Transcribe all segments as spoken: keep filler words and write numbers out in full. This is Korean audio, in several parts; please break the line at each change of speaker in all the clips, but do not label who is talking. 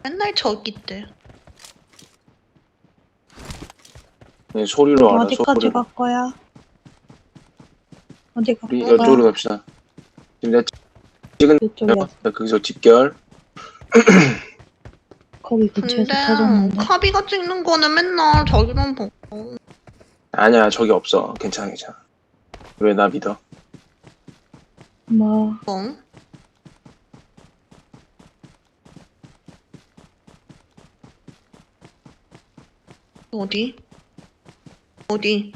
맨날 저기 때.
네, 소리로 알아.
어디까지
소리로.
갈 거야? 어디 갈
우리
거야?
이쪽으로 갑시다. 지금 내가 찍은
이쪽이야.
거기서 집결.
거기 근처에서
근데
터졌는데.
카비가 찍는 거는 맨날 저기만 보고.
아니야, 저기 없어. 괜찮아, 괜찮아. 왜 나 믿어?
뭐
뭐? 어디? 어디?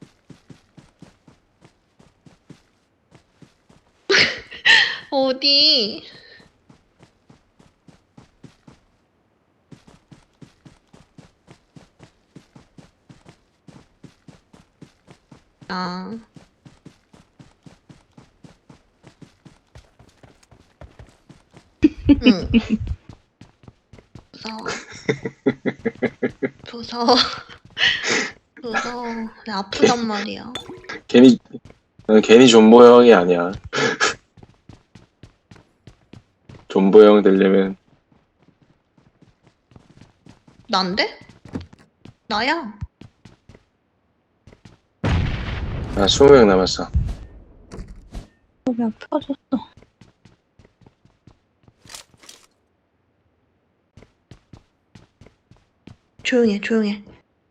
어디? 아. 응. 무서워. 무서워. 무서워. 나 아프단 말이야.
괜히, 난 괜히 존보 형이 아니야. 존보 형 되려면,
난데? 나야.
아, 스무 명 남았어.
거기 펴졌어.
조용해, 조용해.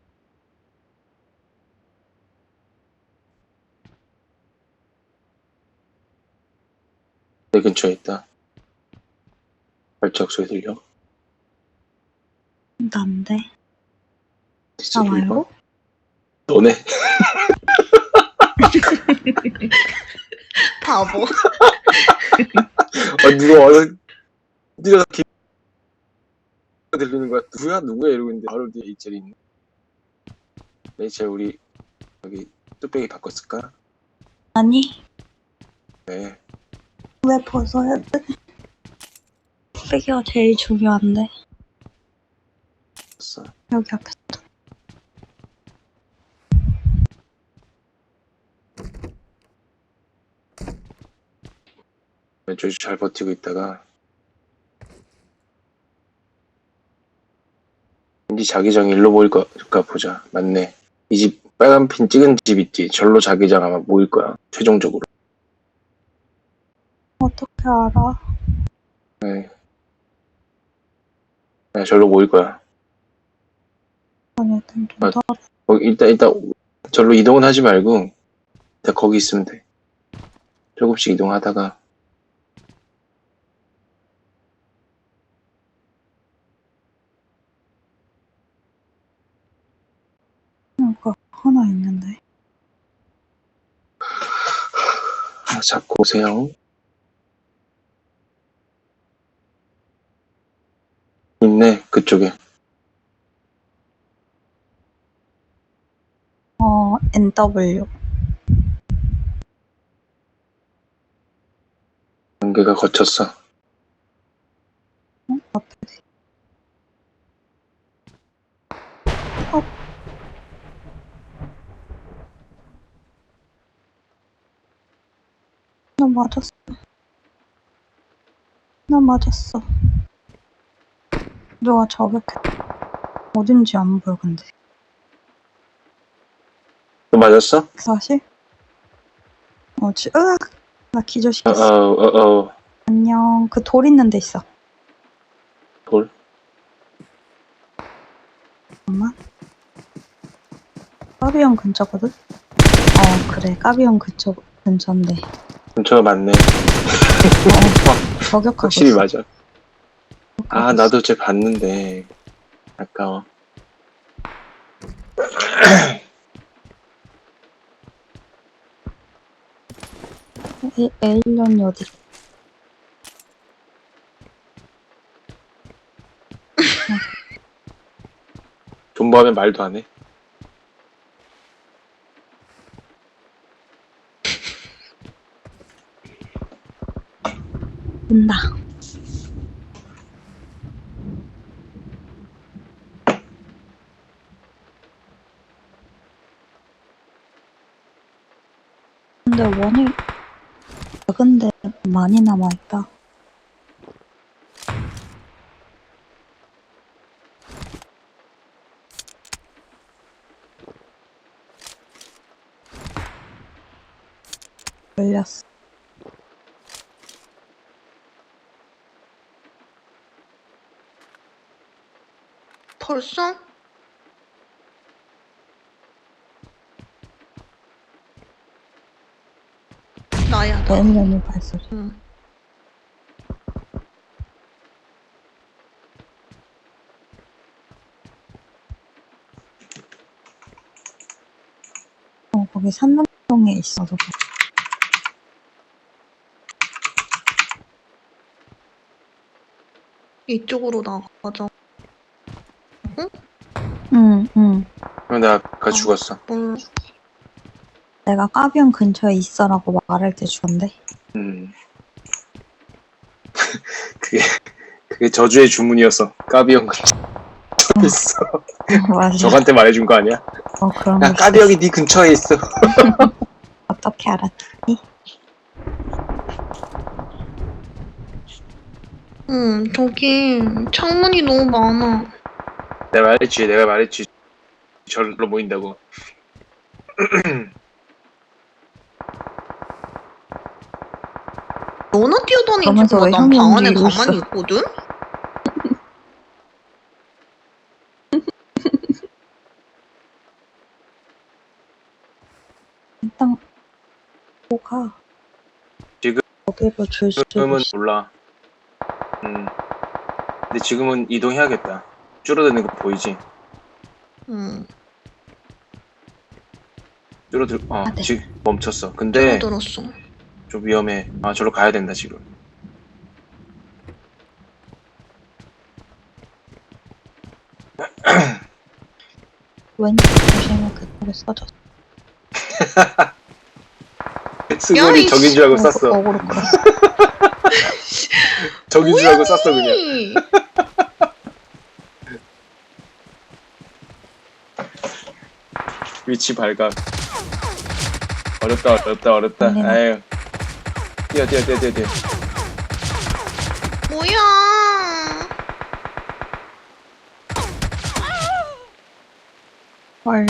내 근처에 있다. 발작 소리 들려?
난데.
진짜
나
들려?
말고?
너네?
바보.
아, 누가 와서, 네가 기... 들리는 거야. 누구야? 누구야? 이러고 있는데, 바로 뒤에 이젤이 있네. 레이첼, 우리, 여기, 뚝배기 바꿨을까?
아니
네.
왜 벗어야 돼? 빼기가 제일 중요한데.
됐어.
여기 앞에.
왼쪽이 잘 버티고 있다가, 왠지 자기장 일로 모일 거까 보자. 맞네. 이 집, 빨간 핀 찍은 집 있지? 절로 자기장 아마 모일 거야. 최종적으로.
어떻게 알아?
네. 네, 절로 모일 거야.
아니 일단 좀
아,
더.
어, 일단, 일단, 절로 이동은 하지 말고, 일단 거기 있으면 돼. 조금씩 이동하다가,
뭔가 하나 있는데.
아, 잡고 오세요. 있네, 그쪽에.
어 엔더블유.
연계가 거쳤어.
어? 앞에. 어. 나 맞았어. 나 맞았어. 누가 저격해. 어딘지 안 보여 근데.
너 맞았어?
사실? 어, 지, 으악! 나
어,
기절시켰어.
어, 어, 어,
안녕. 그 돌 있는 데 있어.
돌.
잠깐만. 까비형 근처거든? 어, 그래. 까비형 근처, 근처인데.
근처가 맞네.
어, 저격하고
확실히
있어.
맞아. 아, 나도 쟤 봤는데. 아까워.
에, 에일런이 어디?
존버하면 말도 안 해.
온다. 근데 원이 작은데 많이 남아있다. 걸렸어.
벌써? 나야, 나.
매일매일 발소리.
응.
어, 거기 산남동에 있어, 누가.
이쪽으로 나가자.
응, 응.
어, 나 아까 죽었어.
몰라.
내가 까비형 근처에 있어라고 말할 때 죽었는데.
음. 그게 그게 저주의 주문이었어. 까비 형 근처에 있어.
어, 맞아.
저한테 말해준 거 아니야?
어, 그런
야,
거
까비 형이 네 근처에 있어.
어떻게 알았지?
응, 저기 창문이 너무 많아.
내가 말했지, 내가 말했지. 절로 모인다고.
너나 뛰어다니지
그러면서
마.
왜
난
형이
방 안에
움직이고
가만히
있어?
있거든?
일단 뭐가
지금-
거기로 줄 수도
지금은
있어.
몰라. 음. 근데 지금은 이동해야겠다. 줄어드는 거 보이지?
응,
줄어들, 어,
아, 네.
지금 멈췄어. 근데
줄어들었어.
좀 위험해. 아, 저로 가야 된다, 지금.
왼쪽 조심해, 그쪽에 써졌어.
승원이
이씨.
적인 줄 알고
어,
쐈어.
어그로 끌었어.
적인 줄 알고 쐈어, 그냥.
뭐야니?
위치 발각. 어렵다, 어렵다, 어렵다.
아니네.
아유. 뛰어, 뛰어, 뛰어, 뛰어, 뛰어.
뭐야?
헐.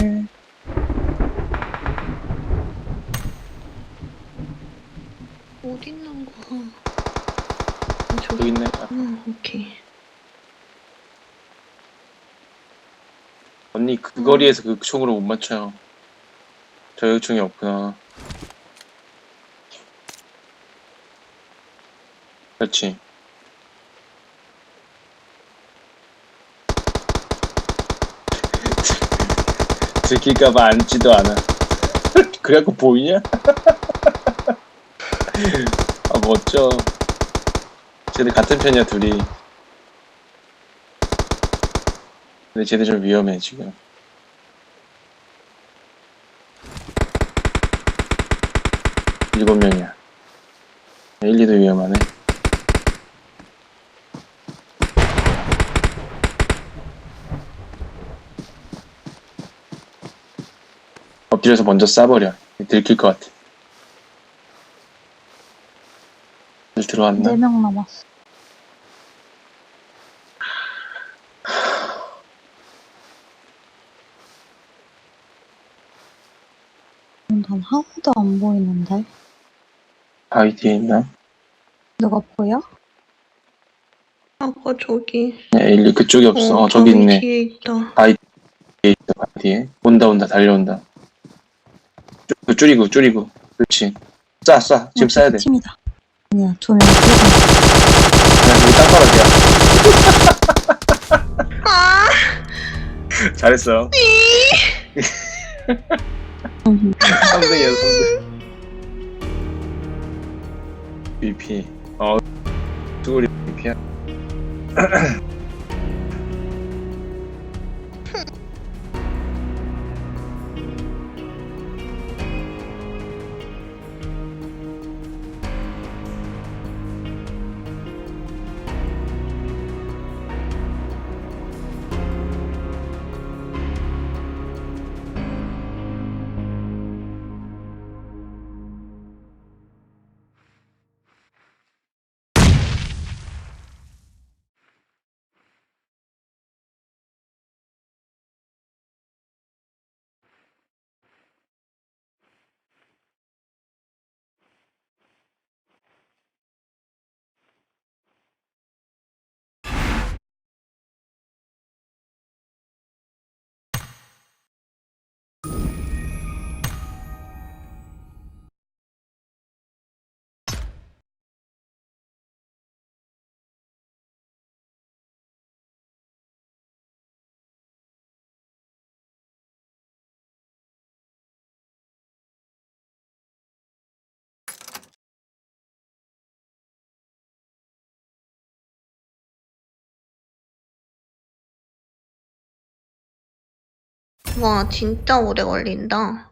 어디 있는 거야? 아,
여기
저기.
있네.
응, 오케이.
언니, 그 거리에서 그 총으로 못 맞춰요. 저격총이 없구나. 그렇지. 들킬까봐 앉지도 않아. 그래갖고 보이냐? 아, 멋져. 쟤들 같은 편이야, 둘이. 근데 쟤들 좀 위험해, 지금. 일곱 명이야. 일, 이도 위험하네. 엎드려서 먼저 쏴버려. 들킬 것 같아. 들 들어왔나?
네 명 남았어. 난 하나도 안 보이는데.
바위 뒤에 있나?
누가 보여?
아까 저기.
네, 일, 이 그쪽에 없어.
어,
어, 저기
바위
있네.
뒤에 있다.
뒤에 있어, 바위 뒤에. 온다, 온다, 달려온다. 줄- 줄이고, 줄이고. 그렇지. 쏴, 쏴. 지금 쏴야 돼.
팀이다. 아니야, 두 명.
야, 여기 땅바닥이야.
아!
잘했어.
음,
삼 등이야, 삼 등. 비피. 어, 수고리 비피야.
와, 진짜 오래 걸린다.